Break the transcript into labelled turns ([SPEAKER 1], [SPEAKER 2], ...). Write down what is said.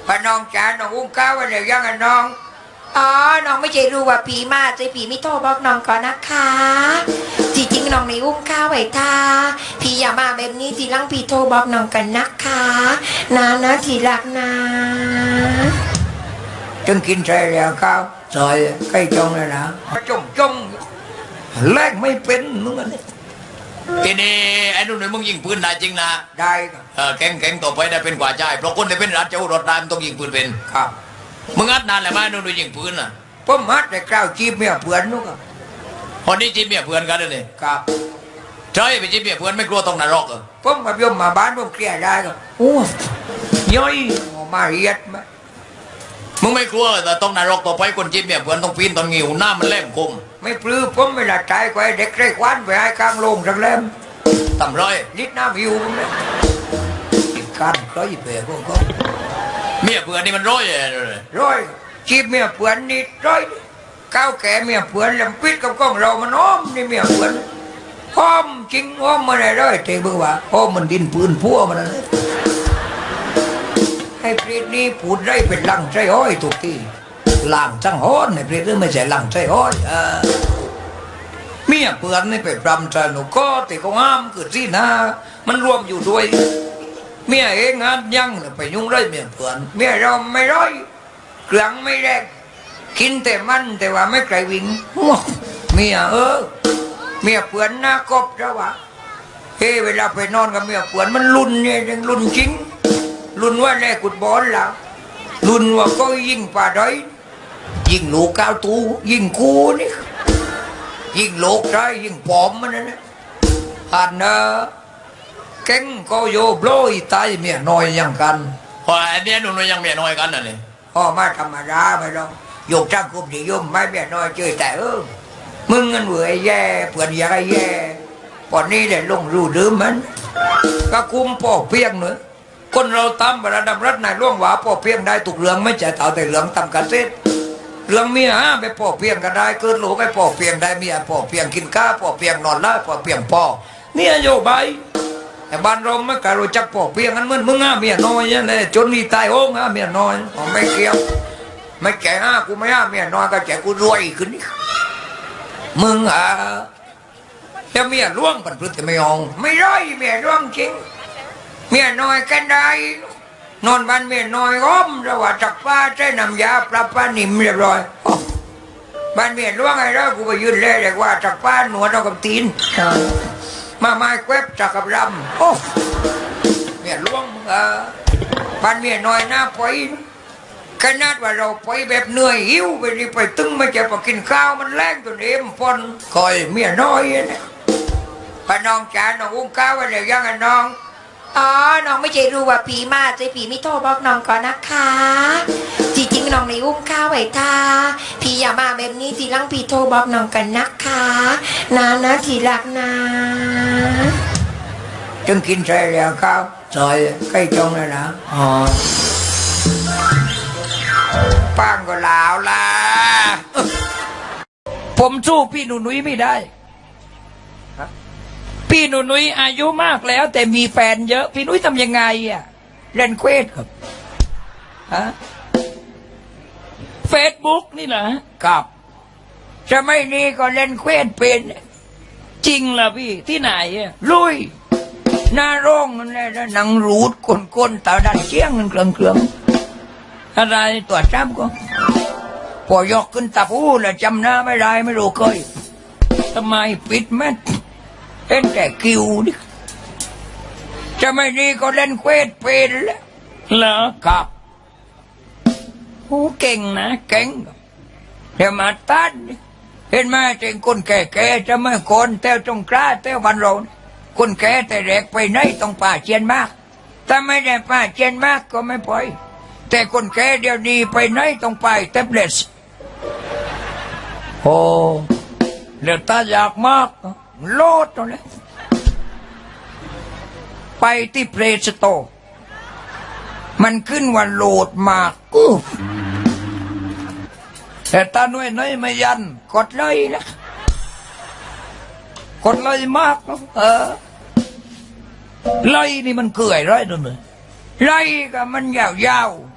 [SPEAKER 1] พน้องจ๋าน้องอุ้งข้าวไว้เดี๋ยวยังไงน้อง
[SPEAKER 2] อ๋อน้องไม่ใช่รู้ว่าผีมาใจผีไม่โทรบอกน้องก่อนนะคะจริงๆน้องในอุ้มข้าวไว้ท่าผีอย่ามาแบบนี้ทีหลังผีโทรบอกน้องกันนะคะนะทีรักนะ
[SPEAKER 1] จึงกินใส่แล้วข้าวใส่ใกล้จงเลยนะจงแลกไม่เป็นมึงอันนี้
[SPEAKER 3] ทีนี้ไอ้นุ่นมึงยิงปืนได้จริงนะ
[SPEAKER 1] ได้ครับ
[SPEAKER 3] แข็งต่อไปได้เป็นกว่าใจเพราะคนที่เป็นรัฐเจ้ารถได้มันต้องยิงปืนเป็น
[SPEAKER 1] ครับ
[SPEAKER 3] มึงอัดนานแล้วไหมนุ่นยิงปืนน่ะ
[SPEAKER 1] ผมอัดแต่กล้าวจีบเมียเพื่อนนู้ครับ
[SPEAKER 3] คนนี้จีบเมียเพื่อนกันเลย
[SPEAKER 1] ครับ
[SPEAKER 3] ใช่ไปจีบเมียเพื่อนไม่กลัวต้องนรก
[SPEAKER 1] ผมกับยมมาบ้านผมเคลียร์ได้ครับ
[SPEAKER 3] โอ้
[SPEAKER 1] ย่อยมาเรียดไหม
[SPEAKER 3] มึงไม่กลัวแต่ต้องนรกต่อไปคนจีบเมียเพื่อนต้องปีนตอนงิวหน้ามันแหลมคม
[SPEAKER 1] ไม่ปลื้มผมเวลาตายก็ให้เด็กไร้ควันไปให้กลางโรงสักเล่ม
[SPEAKER 3] ต่ำร้อย
[SPEAKER 1] นิดน้ำหิวผมเลยอีกการร้อยเปรย์พวกเขา
[SPEAKER 3] เมียเพื่อนนี่มันร้อย
[SPEAKER 1] จีบเมียเพื่อนนี่ร้อยก้าวแก่เมียเพื่อนลำปิดกับกล้องเรามันอ้อมนี่เมียเพื่อนอ้อมจริงอ้อมมาได้ร้อยเทบึกว่าอ้อมมันดินปืนพัวมันเลยให้ปรีดนี้พูดได้เป็นลังใจอ้อยทุกที่หลังจังฮ้อนในปรีดนี่ไม่ใช่หลังใจอ้อยเมียเพื่อนนี่ไปปรำใจหนูก็แต่ก็ห้ามคือที่นามันรวมอยู่ด้วยเมียเองงานยังไปยุ่งไรเมียเพื่อนเมียเราไม่ร้อยเครื่องไม่แรกกินแต่มันแต่ว่าไม่ไกลวิ่งเมียเมียเพื่อนหน้ากบแล้ววะเฮ้เวลาไปนอนกับเมียเพื่อนมันรุนเนี่ยยังรุนจริงรุนว่าแรกกุดบอลแล้วรุนว่าก็ยิงป่าด้อยยิงลูกก้าวตูยิงกูนี่ยิงโลกได้ยิงปอมมันนะอันนะเก่งก็โยโบลยตายเมียน้อยอย่างกัน
[SPEAKER 3] พอไอ้เนี่ยนุ่นยังเมียน้อยกันน่ะนี่
[SPEAKER 1] พ่อมาธรรมดาไปแล้วโยกจ้างคุมนิยมไม่เมียน้อยเจอแต่มึงเงินเหวี่ยแย่เพื่อนอยากแย่ปอนนี้ได้ลงรูดื้อมันก็คุมป่อเพียงเนอะคนเราตามระดับรัฐนายร่วงหวาป่อเพียงได้ถูกเรื่องไม่ใช่เต่าแต่เรื่องทำกันเสร็จเรื่องเมียไปป่อเพียงกันได้เกิดหลูกไปป่อเพียงได้เมียป่อเพียงกินข้าวป่อเพียงนอนไล่ป่อเพียงป่อเนี่ยโยบายแต่บ้านเราไม่กล้ารู้จักป่อเพียงกันมึงเมียน้อยเนี่ยจนนี่ตายโอ้งเมียน้อยไม่เกี่ยวไม่แก่กูไม่เมียน้อยก็แก่กูรวยขึ้นนี่มึงแต่เมียร่วงปันพึ่งแต่ไม่ยอมไม่ร้อยเมียร่วงจริงเมียน้อยกันได้นอนบ้านเมียน้อยอ้อมระหว่างจักป้าใช้น้ำยาปลาปลานิ่มเรียบร้อยบ้านเมียร่วงไงแล้วกูไปยืนเล่เด็กว่าจักป้าหนวดเอากับตีนมาไม้แควบจักกับรำโอ้เมียร่วงบ้านเมียน้อยหน้าปอยขนาดว่าเราไปแบบเหนื่อยหิวไปนี่ไปตึงไม่จะไปกินข้าวมันแรงตัวเอ็มพอนคอยเมียน้อยเนี่ยพน้องจ๋าน้องอุ้งข้าวไว้เดี๋ยวยังไงน้อง
[SPEAKER 2] อ๋อน้องไม่ใช่รู้ว่าผีมาใจผีไม่โทรบอกน้องก่อนนะคะจริงๆน้องในอุ้มข้าวไว้ท่าผีอย่ามาแบบนี้ทีหลังผีโทรบอกน้องกันนะคะนะทีรักนะ
[SPEAKER 1] จึงกินใส่แล้วข้าวใส่ใกล้จงเลยนะป้างก็ลาวละผมสู้พี่หนุ่ยไม่ได้พี่หนุ่ยอายุมากแล้วแต่มีแฟนเยอะพี่หนุ่ยทำยังไงเล่นเควสครับเฟซบุ๊กนี่เหรอครับจะไม่นี่ก็เล่นเควสเป็นจริงล่ะพี่ที่ไหนลุยหน้าโรงนั่นแหละหนังรูดก้นตาดันเชี่ยงเครื่องอะไรตัวจำก็พอยกขึ้นตาพูแล้วจำหน้าไม่ได้ไม่รู้เคยทำไมปิดแม่เล่นแต่คิวดิจะไม่ดีก็เล่นเควสเป็นแล้วเหรอครับโอ้เก่งนะเก่งเดี๋ยวมาตัดเห็นไหมเจงคนแก่ๆจะไม่คนเต้วจงกล้าเต้วบันโรนคนแก่แต่แรกไปไหนต้องป่าเจียนมากถ้าไม่ได้ป่าเจียนมากก็ไม่ปล่อยแต่คนแก่เดี๋ยวนี้ไปไหนต้องไปแท็บเล็ตโอ้เดี๋ยวตาอยากมากโลดตรงนี้ไปที่เพลย์สโตร์มันขึ้นว่าโหลดมากแต่ตาหน่วยน้อยไม่ยันกดเลยนะกดเลยมากเลยนี่มันเกลื่อยไรตัวนึงไรก็มันยาว